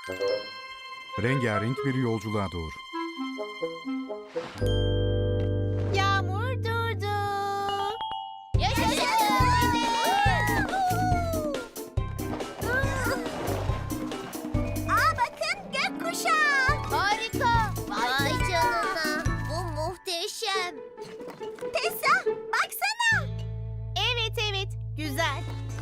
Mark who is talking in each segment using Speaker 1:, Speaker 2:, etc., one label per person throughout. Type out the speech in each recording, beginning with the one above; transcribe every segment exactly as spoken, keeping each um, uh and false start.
Speaker 1: Rengarenk bir yolculuğa doğru.
Speaker 2: Yağmur durdu.
Speaker 3: Aa bakın gökkuşağı.
Speaker 2: Harika.
Speaker 3: Vay canına. Bu muhteşem. Tessa baksana.
Speaker 2: Evet evet güzel.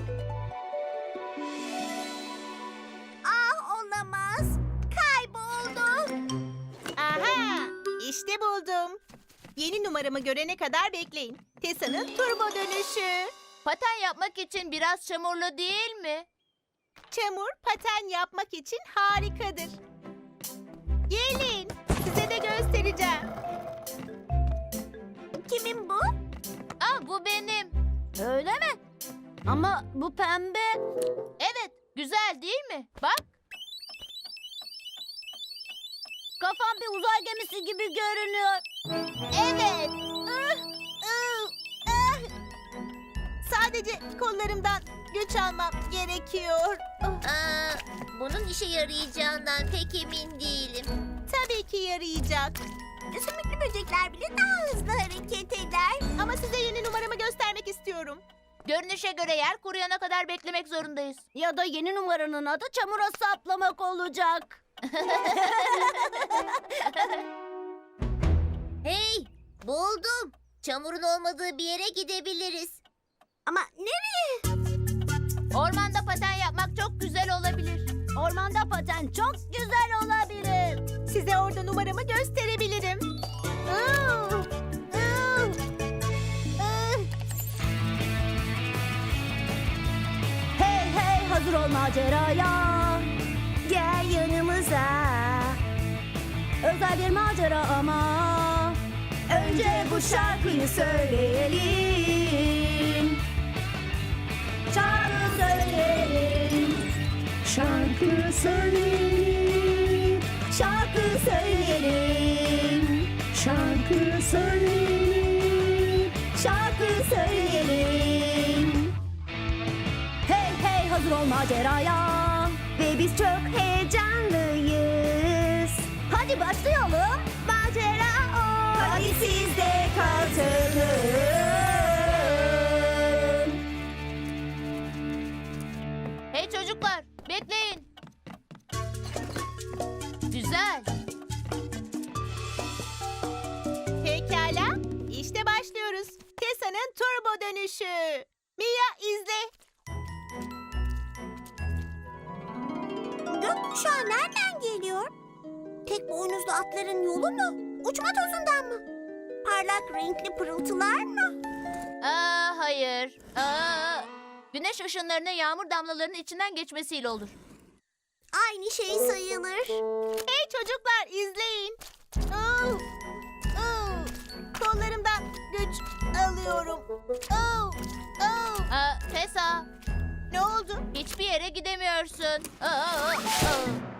Speaker 3: Ah olamaz. Kayboldu.
Speaker 2: Aha işte buldum. Yeni numaramı görene kadar bekleyin. Tessa'nın turbo dönüşü.
Speaker 4: Paten yapmak için biraz çamurlu değil mi?
Speaker 2: Çamur paten yapmak için harikadır. Gelin size de göstereceğim.
Speaker 3: Kimin bu?
Speaker 4: Aa, bu benim.
Speaker 3: Öyle mi? Ama bu pembe.
Speaker 4: Evet, güzel değil mi? Bak.
Speaker 3: Kafam bir uzay gemisi gibi görünüyor.
Speaker 2: Evet. Ih, ih, ih. Sadece kollarımdan güç almam gerekiyor.
Speaker 3: Aa, bunun işe yarayacağından pek emin değilim.
Speaker 2: Tabii ki yarayacak.
Speaker 3: Sümüklü böcekler bile daha hızlı hareket eder.
Speaker 2: Ama size yeni numaramı göstermek istiyorum.
Speaker 4: Görünüşe göre yer kuruyana kadar beklemek zorundayız.
Speaker 3: Ya da yeni numaranın adı çamura saplamak olacak. Hey, buldum. Çamurun olmadığı bir yere gidebiliriz. Ama nereye?
Speaker 4: Ormanda paten yapmak çok güzel olabilir.
Speaker 3: Ormanda paten çok güzel olabilir.
Speaker 2: Size orada numaramı gösterebilirim. Iı, ıı, ıh.
Speaker 3: Hey hey hazır ol maceraya. Gel yanımıza. Özel bir macera ama. Önce bu şarkıyı söyleyelim. Şarkı söyleyelim. Şarkı söyleyelim. Şarkı söyleyelim. Şarkı söyleyelim. Şarkı söyleyelim. Hey hey hazır ol maceraya. Ve biz çok heyecanlıyız. Hadi başlayalım. Macera o. Hadi siz de katılın.
Speaker 4: Hey çocuklar, bekleyin. Güzel.
Speaker 2: Pekala, işte başlıyoruz. Tessa'nın turbo dönüşü. Mia izle.
Speaker 3: Gökkuşağı nereden geliyor? Tek boynuzlu atların yolu mu? Uçma tozundan mı? Parlak renkli pırıltılar mı?
Speaker 4: Aa, hayır. Aa, güneş ışınlarının yağmur damlalarının içinden geçmesiyle olur.
Speaker 3: Aynı şey sayılır.
Speaker 2: Hey çocuklar izleyin. Iı, ıı. Kollarımdan güç alıyorum. Iı, ıı.
Speaker 4: Aa, Tessa,
Speaker 2: Ne oldu?
Speaker 4: hiçbir yere gidemiyorsun. Aa, aa, aa.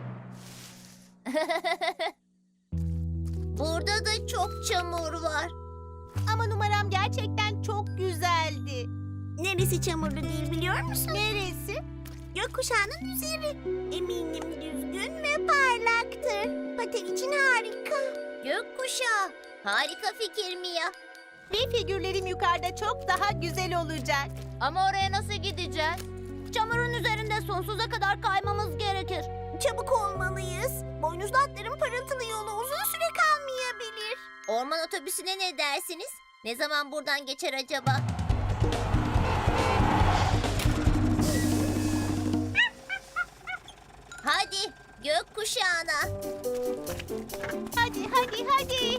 Speaker 3: Burada da çok çamur var.
Speaker 2: Ama numaram gerçekten çok güzeldi.
Speaker 3: Neresi çamurlu değil biliyor musun?
Speaker 2: Neresi?
Speaker 3: Gökkuşağının üzeri. Eminim düzgün ve parlaktır. Paten için harika. Gökkuşağı. Harika fikir Mia.
Speaker 2: Bir figürlerim yukarıda çok daha güzel olacak.
Speaker 4: Ama oraya nasıl gideceğiz?
Speaker 3: Çamurun üzerinde sonsuza kadar kaymamız gerekir. Çabuk olmalıyız. Boynuzlu atların parıltılı yolu uzun süre kalmayabilir. Orman otobüsüne ne dersiniz? Ne zaman buradan geçer acaba? Hadi gökkuşağına.
Speaker 2: Hadi hadi hadi.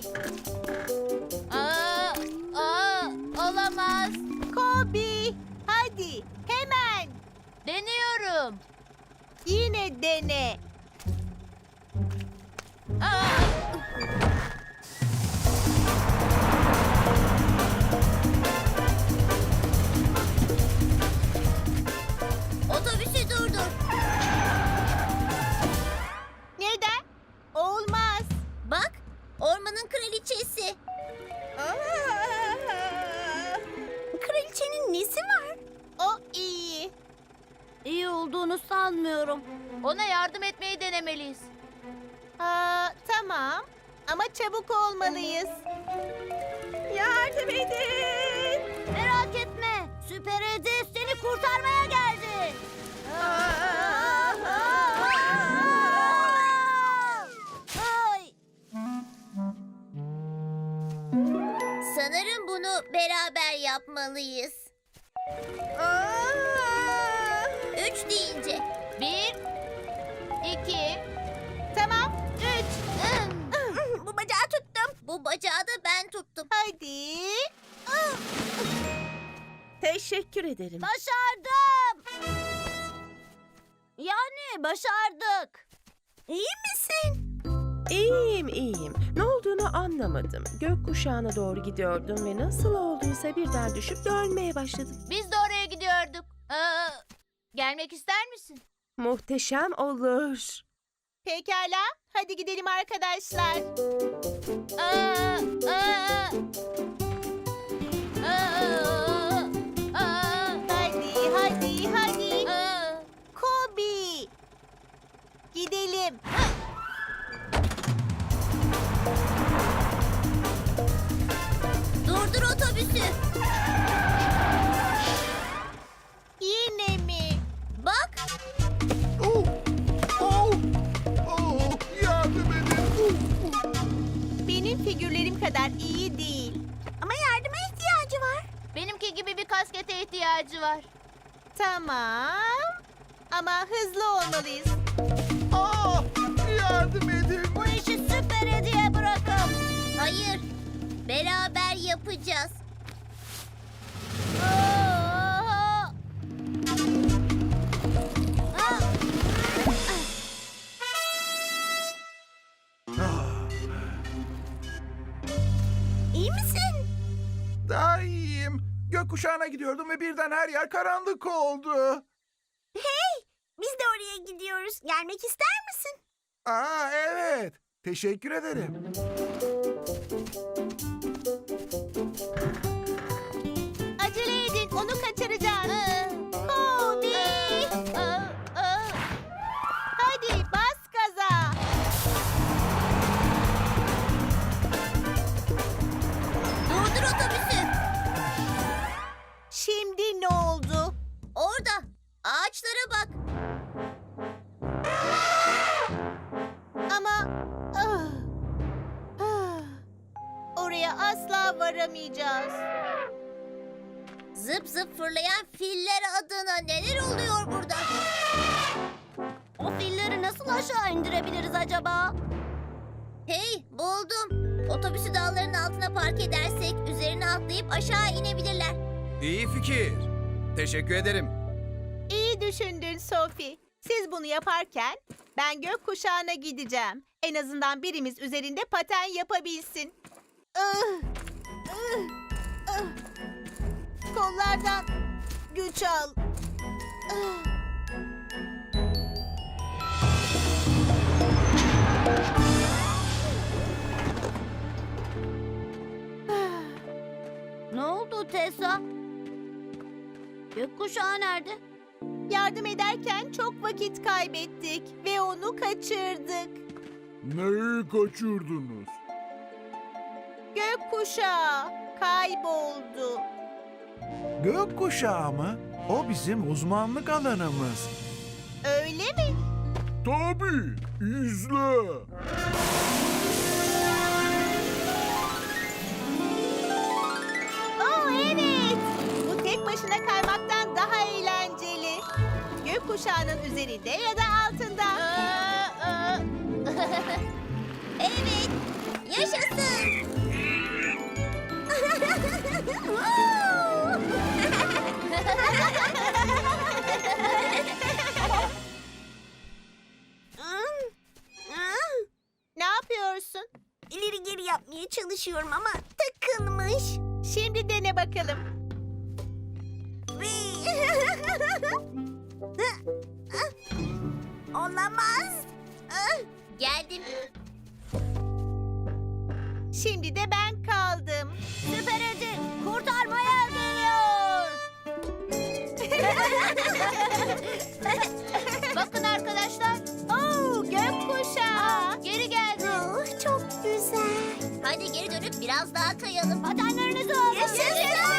Speaker 4: Aa, aa, olamaz.
Speaker 2: Kobi hadi hemen.
Speaker 4: Deniyorum.
Speaker 2: Yine dene.
Speaker 4: Aa,
Speaker 3: Otobüsü durdur.
Speaker 2: Neden? Olmaz.
Speaker 3: Bak ormanın kraliçesi. Kraliçenin nesi var?
Speaker 2: O iyi.
Speaker 3: İyi olduğunu sanmıyorum.
Speaker 4: Ona yardım etmeyi denemeliyiz.
Speaker 2: Aa, tamam. Ama çabuk olmalıyız. Yardım edin.
Speaker 3: Merak etme. Süper Edi seni kurtarmaya geldi. Ay. Sanırım bunu beraber yapmalıyız. Üç deyince.
Speaker 4: Bir, iki,
Speaker 2: Tamam. Üç.
Speaker 3: Bu bacağı tuttum. Bu bacağı da ben tuttum.
Speaker 2: Hadi.
Speaker 5: Teşekkür ederim.
Speaker 3: Başardım. Yani başardık. İyi misin?
Speaker 5: İyiyim, iyiyim. Ne olduğunu anlamadım. Gökkuşağına doğru gidiyordum ve nasıl olduysa birden düşüp dönmeye başladım.
Speaker 4: biz de oraya gidiyorduk. Aa, gelmek ister misin?
Speaker 5: Muhteşem olur.
Speaker 2: Pekala. Hadi gidelim arkadaşlar.
Speaker 4: Aa, aa, aa, aa,
Speaker 2: Hadi, hadi, hadi.
Speaker 4: aa.
Speaker 2: Kobi. Gidelim.
Speaker 3: Durdur otobüsü.
Speaker 2: Yine mi?
Speaker 3: Bak.
Speaker 6: Oh! Oh! Oh! Yardım edin!
Speaker 2: Benim figürlerim kadar iyi değil.
Speaker 3: Ama yardıma ihtiyacı var.
Speaker 4: Benimki gibi bir kaskete ihtiyacı var.
Speaker 2: Tamam. Ama hızlı olmalıyız.
Speaker 6: Ah! Yardım edin!
Speaker 3: Bu işi Süper Edi'ye bırakın. Hayır. Beraber yapacağız. Aa! Aa! İyi misin?
Speaker 6: Daha iyiyim. Gökkuşağına gidiyordum ve birden her yer karanlık oldu.
Speaker 3: Biz de oraya gidiyoruz. Gelmek ister misin?
Speaker 6: Aa evet. Teşekkür ederim.
Speaker 2: Acele edin. Onu kaçıracağız. Kobi.
Speaker 4: Aa, aa.
Speaker 2: Hadi bas gaza.
Speaker 3: Durdur otobüsü.
Speaker 2: Şimdi ne oldu?
Speaker 3: Orada. Ağaçlara bak.
Speaker 2: Ama ah, ah, oraya asla varamayacağız.
Speaker 3: Zıp zıp fırlayan filler adına neler oluyor burada? O filleri nasıl aşağı indirebiliriz acaba? Hey, buldum. Otobüsü dağların altına park edersek üzerine atlayıp aşağı inebilirler.
Speaker 7: İyi fikir. Teşekkür ederim.
Speaker 2: İyi düşündün Sophie. Siz bunu yaparken ben gökkuşağına gideceğim. En azından birimiz üzerinde paten yapabilsin. Ah, ah, ah. Kollardan güç al. Ah.
Speaker 3: Ne oldu Tessa? Gökkuşağı nerede?
Speaker 2: Yardım ederken çok vakit kaybettik ve onu kaçırdık.
Speaker 6: Neyi kaçırdınız?
Speaker 2: Gökkuşağı kayboldu.
Speaker 6: Gökkuşağı mı? O bizim uzmanlık alanımız.
Speaker 2: Öyle mi?
Speaker 6: Tabii. İzle.
Speaker 2: Oo evet. Bu tek başına kaymaktan daha eğlenceli. Gökkuşağının üzerinde ya da altında.
Speaker 4: Aa, aa.
Speaker 3: Evet, yaşasın.
Speaker 2: Ne yapıyorsun?
Speaker 3: İleri geri yapmaya çalışıyorum ama takılmış.
Speaker 2: Şimdi dene bakalım.
Speaker 3: Olamaz. Geldim.
Speaker 2: Şimdi de ben kaldım.
Speaker 3: Süper Edi kurtarmaya geliyor.
Speaker 4: Bakın arkadaşlar. arkadaşlar.
Speaker 2: Oo, gökkuşağı.
Speaker 4: Geri geldi.
Speaker 3: Oh, çok güzel. Hadi geri dönüp biraz daha kayalım. Patenlerinizi alın. Yaşasın.